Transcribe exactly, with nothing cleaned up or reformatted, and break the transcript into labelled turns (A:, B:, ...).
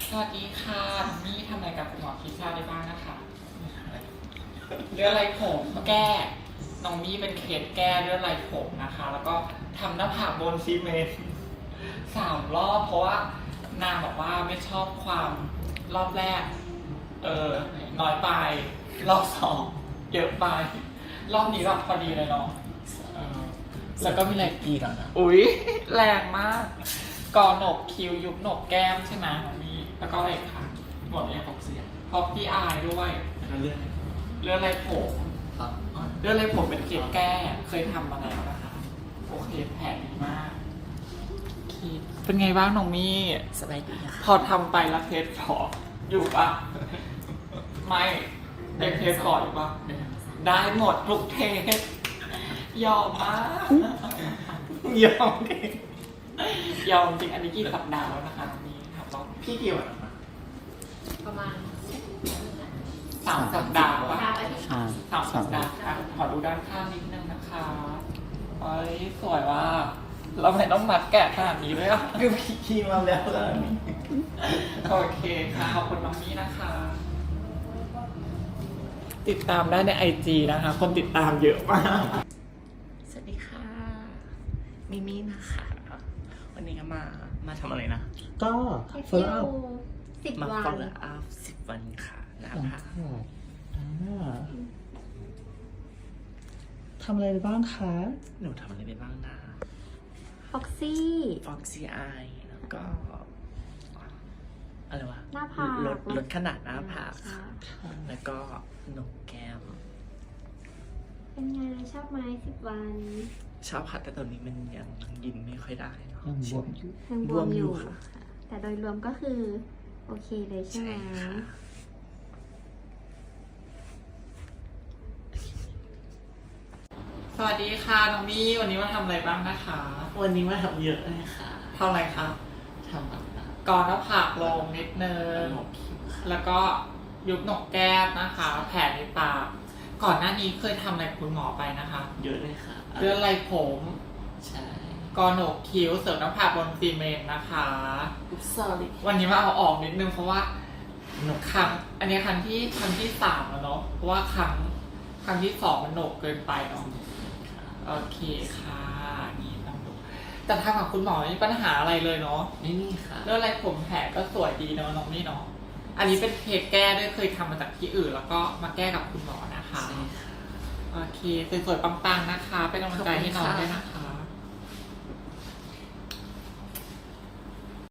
A: สวัสดีค่ะนี่ทำอะไรกับคุณหมอคิชาได้บ้างนะคะเรื่องไรผมแก้น้องมี่เป็นเคสแก้เรื่องไรผมนะคะ แล้วก็ทำหน้าผากบนซีเมนต์สามรอบเพราะว่านางบอกว่าไม่ชอบความรอบแรกเออน้อยไปรอบสองเยอะไปรอบนี้แบบพอดีเลยเนาะแล้วก็มีอะไร
B: กี่แล้วนะ
A: อุ๊ยแรงมากกอหนกคิ้วยุบหนกแก้มใช่ไหมของนี่แล้วก็อะไรอีกค่ะหมดเลย
B: ฟอกเสีย
A: พอพี่อายด้วย
B: แล้วเรื่อง
A: เรื่องอะไรผม
B: ครับ
A: เรื่องอะไรผมเป็นเกล็ดแก้เคยทำมาแล้วนะคะโอเคแผลดีมากโอเคเป็นไงบ้างน้องมี่
B: สบายดีค่ะ
A: พอทำไปแล้วเทสพออยู่ปะไม่ได้เทสก่อนอยู่ปะได้หมดทุกเทสยอมมากยอมจริงยอมจริงอันนี้กี่สัปดาห์แล้วนะคะนี่ครับน้องพี่กี่วันแล้วนะ
C: ประมาณ
A: สามสัปดาห์วะ
C: ดาวอาทิตย์
B: ใช่
A: สามสัปดาห์อ่ะขอดูด้านข้างนิดนึงนะคะเอ้ยสวยว่าเราไม่ต้องมัดแกะขนาดนี้เลยอ่ะ
B: คือพี่คีมาแล้วแล้วนี่
A: โอเคค่ะขอบคุณน้องมี่นะคะ ติดตามได้ในไอจีนะคะ คนติดตามเยอะมาก
B: สวัสดีค่ะ มิมี่นะคะ วันนี้ก็มา มาทำอะไรนะ
D: ก็
C: เที่
D: follow
C: ยว
D: up
C: สิบ
B: มา
C: วัน
B: follow up สิบวันค่ะนะ
D: หลัง
B: คะ
D: จากอ่าทำอะไรไปบ้างคะ
B: หนูทำอะไรไปบ้างนะ
C: ฟ็อกซี่
B: Foxy Eye แล้วก็ อะไรวะ
C: หน้าผาก
B: ลดลดขนาดหน้าผาก
C: ค่ะ
B: ค่ะแล้วก็หนกแก้ม
C: เป็นไงชอบไหมสิบวัน
B: ชอบค่ะแต่ตอนนี้มันยังยินไม่ค่อยได้เนอะ
D: ยังบวมอยู่
C: ยังบบ ว
B: ว
C: ม
B: ม
C: อ
B: อยู่
C: ยู่
B: ค่ะ
C: ค่ะแต่โดยรวมก็คือ โอเคเลยใช่
B: ใช่
C: ไหม
B: ค่ะ
A: สวัสดีค่ะน้องมี่วันนี้มาทำอะไรบ้างนะคะ
B: วันนี้มาทำเยอะเลยค่ะ
A: ทำอะไรคะ
B: ทำแบบนั้น
A: ก่อนหน้าผากลงนิดนึง
B: หนกคิ้วค่ะ
A: แล้วก็ยุบหนกแก้มนะคะ แผลในปากก่อนหน้านี้เคยทำอะไรกับคุณหมอไปนะคะ
B: เยอะเลยค่ะ
A: เรื่องไรผม
B: ใช่
A: กอหนกคิ้วเสริมหน้าผากบนซีเมนต์นะคะ
B: อุ๊บซอรี่
A: วันนี้มาเอาออกนิดนึงเพราะว่าหนกครั้งอันนี้ครั้งที่ครั้งที่สามแล้วเนาะเพราะว่าครั้งครั้งที่สองมันหนกเกินไปเนาะโอเคค่ะนี่ต้องดูแต่ทางกับคุณหมอไม่มีปัญหาอะไรเลยเนาะ
B: ไม่มีค่ะ
A: เรื่องอะไรผมแผลก็สวยดีเนาะน้องนี่เนาะอันนี้เป็นเคสแก้ด้วยเคยทำมาจากที่อื่น แล้วก็มาแก้กับคุณหมอนะคะ
B: ใช่ค่ะ
A: โอเคสวยๆปังๆนะคะเป็นกำลังใจให้น้องด้วยนะคะ